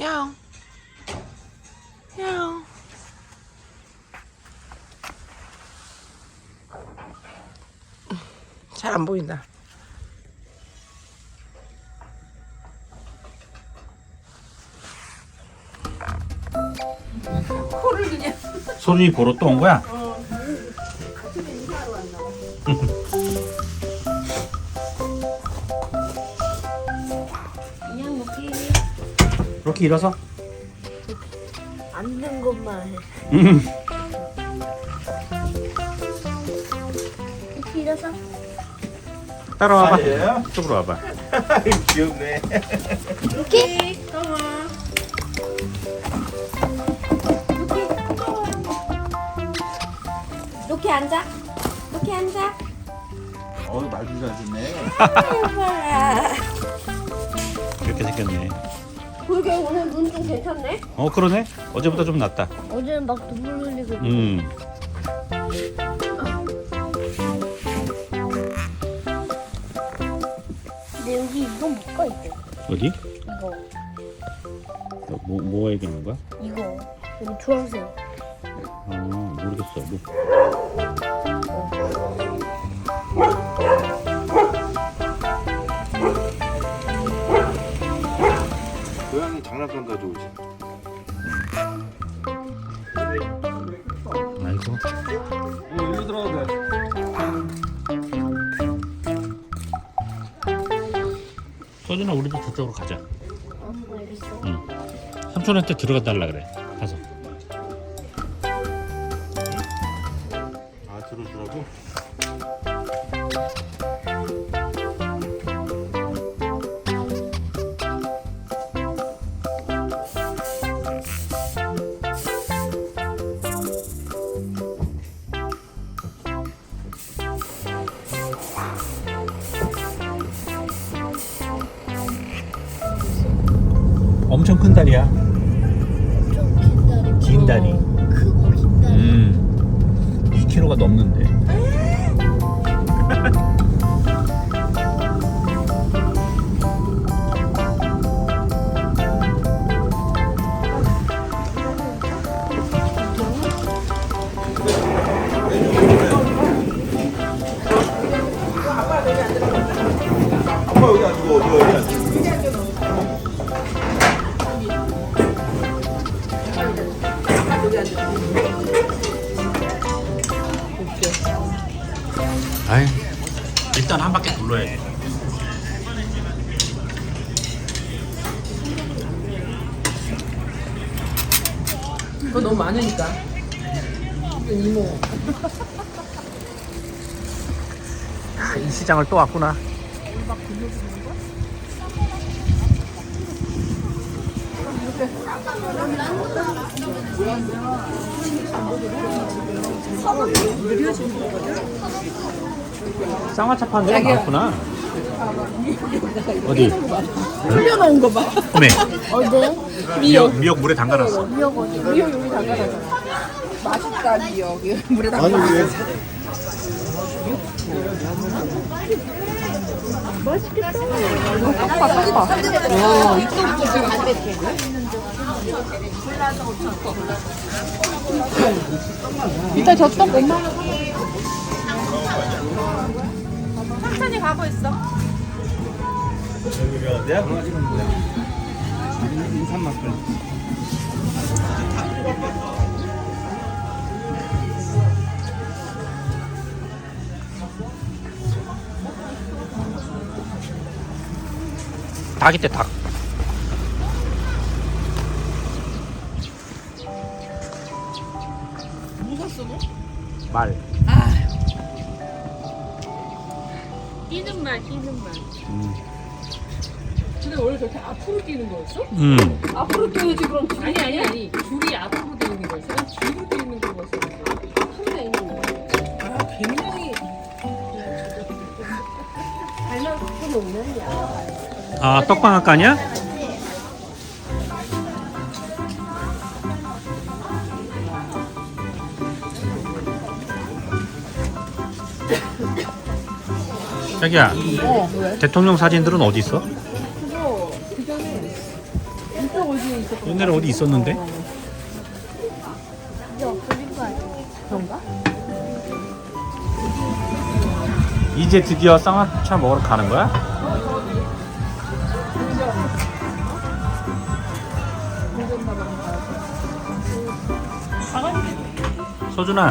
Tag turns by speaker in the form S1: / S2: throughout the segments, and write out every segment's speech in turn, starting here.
S1: 야옹. 야옹. 잘 안 보인다. 코를 그냥.
S2: 소준이 보러 또 온 거야?
S3: 그냥 먹기
S2: 이렇게 일어서.
S3: 안 된 것만 해. 이렇게 일어서.
S2: 따라와봐.
S4: 아니에요?
S2: 이쪽으로 와봐.
S4: 귀엽네.
S3: 이렇게. 이렇게 앉아. 이렇게 앉아.
S4: 말도 잘 듣네.
S3: 해봐라.
S2: 이렇게 생겼네.
S3: 그게 오늘 눈 좀 괜찮네?
S2: 그러네. 어제보다 좀 낫다.
S3: 어제는 막 눈물 흘리고. 근데 여기 이거 뭐가 있대?
S2: 어디?
S3: 이거.
S2: 뭐가 얘기하는 거야?
S3: 이거. 여기 주황색.
S2: 모르겠어. 뭐.
S4: 고양이 장난감 가져오지.
S2: 아이고.
S4: 일로 들어가도 돼.
S2: 서준아, 우리도 저쪽으로 가자.
S3: 알겠어.
S2: 삼촌한테 들어가 달라 그래. 가서.
S4: 들어주라고?
S2: 엄청 큰 다리야.
S3: 좀 긴 다리.
S2: 긴 다리.
S3: 크고 긴 다리.
S2: 2kg가 넘는데.
S4: 아빠 여기 앉고 너 여기 앉고.
S2: 아이, 일단 한 바퀴 둘러야지.
S1: 그거 너무 많으니까. 이건 이모.
S2: 이 시장을 또 왔구나. 쌍화차 파는 데가 많구나. 어디?
S1: 흘려놓은 거 봐.
S2: 어메.
S3: 어디?
S2: 미역 물에 담가놨어.
S3: 미역 어디?
S1: 미역 여기 담가놨어. 맛있다 미역. 물에 담가.
S4: 아니 왜?
S1: 아빠 아빠. 와 이거부터 지금 안 됐대. 일단 저 떡 엄마. 천천히 가고 있어.
S4: 여기 어디야? 인삼만큼.
S2: 닭 있대, 닭.
S1: 뭐가 써 너?
S2: 말.
S3: 뛰는 말, 뛰는 말.
S1: 근데 원래 저렇게 앞으로 뛰는 거였어? 앞으로 뛰어야지 그럼.
S5: 아니 줄이 앞으로 되어 있는 거였어. 난 뒤로 되어 있는 거였어.
S1: 한대 있는 거. 아 굉장히.
S3: 발만 갖고 놓으면야.
S2: 아, 떡방앗간이야? 자기야,
S1: 왜?
S2: 대통령 사진들은 어디 있어?
S1: 그거 그 전에 이쪽 어디
S2: 옛날에 어디 있었는데?
S3: 이제 없어진 거 아니야?
S1: 그런가?
S2: 이제 드디어 쌍화차 먹으러 가는 거야? 소준아.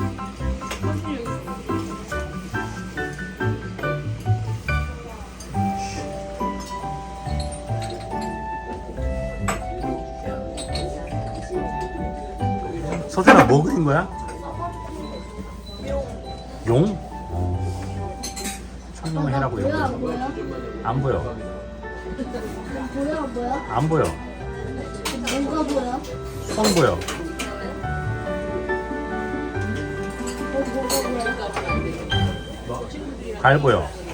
S2: 소준아 뭐 그린 거야? 용? 청룡을 해라고 용.
S3: 뭐야?
S2: 안 보여.
S3: 뭐야?
S2: 안 보여.
S3: 뭐가 뭐야?
S2: 손 보여.
S3: 뭐가 뭐야?
S2: 발 보여.